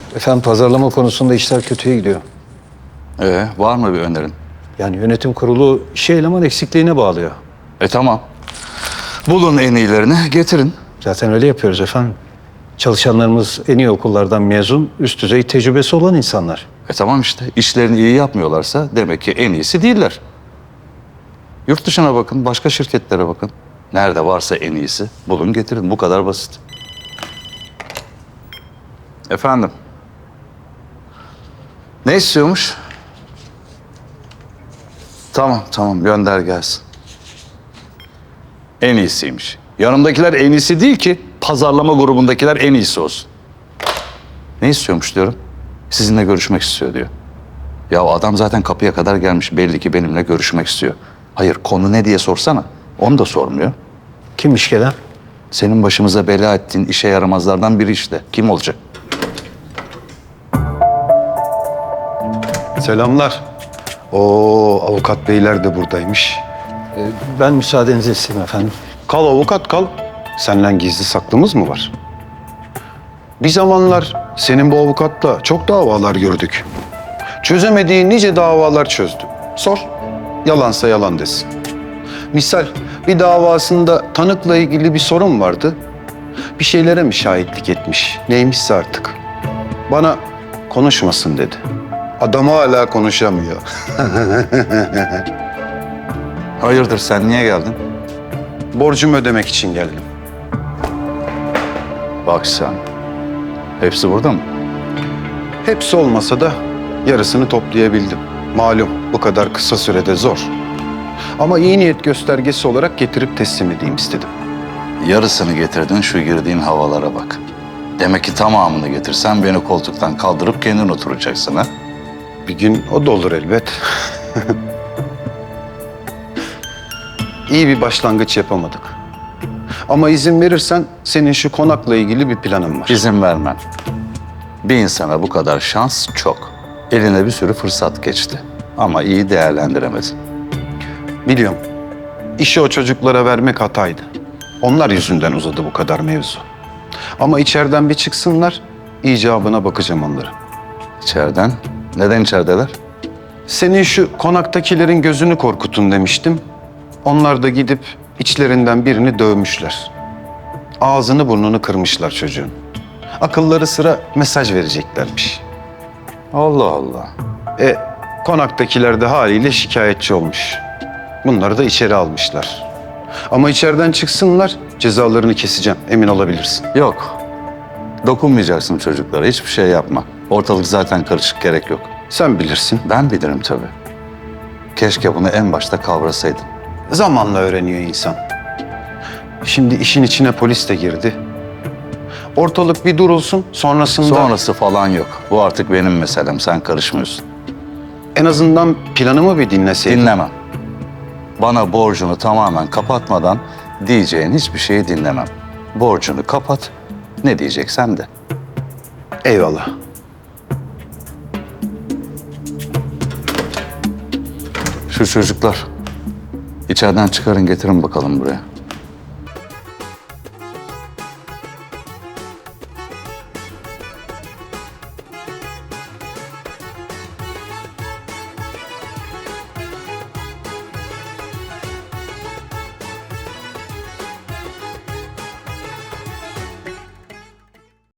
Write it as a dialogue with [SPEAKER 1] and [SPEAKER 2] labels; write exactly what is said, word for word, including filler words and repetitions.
[SPEAKER 1] Efendim pazarlama konusunda işler kötüye gidiyor.
[SPEAKER 2] Ee, var mı bir önerin?
[SPEAKER 1] Yani yönetim kurulu işe eleman eksikliğine bağlıyor.
[SPEAKER 2] E tamam. Bulun en iyilerini, getirin.
[SPEAKER 1] Zaten öyle yapıyoruz efendim. Çalışanlarımız en iyi okullardan mezun, üst düzey tecrübesi olan insanlar.
[SPEAKER 2] E tamam işte. İşlerini iyi yapmıyorlarsa demek ki en iyisi değiller. Yurt dışına bakın, başka şirketlere bakın. Nerede varsa en iyisi bulun getirin. Bu kadar basit. Efendim? Ne istiyormuş? Tamam, tamam. Gönder gelsin. En iyisiymiş. Yanımdakiler en iyisi değil ki, pazarlama grubundakiler en iyisi olsun. Ne istiyormuş diyorum. Sizinle görüşmek istiyor diyor. Ya adam zaten kapıya kadar gelmiş. Belli ki benimle görüşmek istiyor. Hayır, konu ne diye sorsana. Onu da sormuyor.
[SPEAKER 1] Kimmiş gelen?
[SPEAKER 2] Senin başımıza bela ettiğin işe yaramazlardan biri işte. Kim olacak?
[SPEAKER 3] Selamlar. Oo, avukat beyler de buradaymış.
[SPEAKER 1] Ee, ben müsaadenizi isteyeyim efendim.
[SPEAKER 3] Kal avukat kal. Senden gizli saklımız mı var? Bir zamanlar senin bu avukatla çok davalar gördük. Çözemediği nice davalar çözdü. Sor, yalansa yalan desin. Misal bir davasında tanıkla ilgili bir sorun vardı. Bir şeylere mi şahitlik etmiş, neymişse artık. Bana konuşmasın dedi. Adam hala konuşamıyor.
[SPEAKER 2] Hayırdır, sen niye geldin?
[SPEAKER 3] Borcumu ödemek için geldim.
[SPEAKER 2] Bak sen. Hepsi burada mı?
[SPEAKER 3] Hepsi olmasa da yarısını toplayabildim. Malum bu kadar kısa sürede zor. Ama iyi niyet göstergesi olarak getirip teslim edeyim istedim.
[SPEAKER 2] Yarısını getirdin, şu girdiğin havalara bak. Demek ki tamamını getirsen beni koltuktan kaldırıp kendin oturacaksın ha?
[SPEAKER 3] Bir gün o da olur elbet. İyi bir başlangıç yapamadık. Ama izin verirsen senin şu konakla ilgili bir planım var.
[SPEAKER 2] İzin vermem. Bir insana bu kadar şans çok. Eline bir sürü fırsat geçti. Ama iyi değerlendiremedin.
[SPEAKER 3] Biliyorum. İşi o çocuklara vermek hataydı. Onlar yüzünden uzadı bu kadar mevzu. Ama içeriden bir çıksınlar, icabına bakacağım onların.
[SPEAKER 2] İçeriden? Neden içerideler?
[SPEAKER 3] Senin şu konaktakilerin gözünü korkutun demiştim. Onlar da gidip içlerinden birini dövmüşler. Ağzını burnunu kırmışlar çocuğun. Akılları sıra mesaj vereceklermiş.
[SPEAKER 2] Allah Allah.
[SPEAKER 3] E konaktakiler de haliyle şikayetçi olmuş. Bunları da içeri almışlar. Ama içeriden çıksınlar, cezalarını keseceğim, emin olabilirsin.
[SPEAKER 2] Yok. Dokunmayacaksın çocuklara. Hiçbir şey yapma. Ortalık zaten karışık, gerek yok.
[SPEAKER 3] Sen bilirsin.
[SPEAKER 2] Ben bilirim tabii. Keşke bunu en başta kavrasaydın.
[SPEAKER 3] Zamanla öğreniyor insan. Şimdi işin içine polis de girdi. Ortalık bir durulsun, sonrasında...
[SPEAKER 2] Sonrası falan yok. Bu artık benim meselem. Sen karışmıyorsun.
[SPEAKER 3] En azından planımı bir dinleseydin.
[SPEAKER 2] Dinlemem. Bana borcunu tamamen kapatmadan diyeceğin hiçbir şeyi dinlemem. Borcunu kapat, ne diyeceksen de.
[SPEAKER 3] Eyvallah.
[SPEAKER 2] Şu çocuklar içeriden çıkarın, getirin bakalım buraya.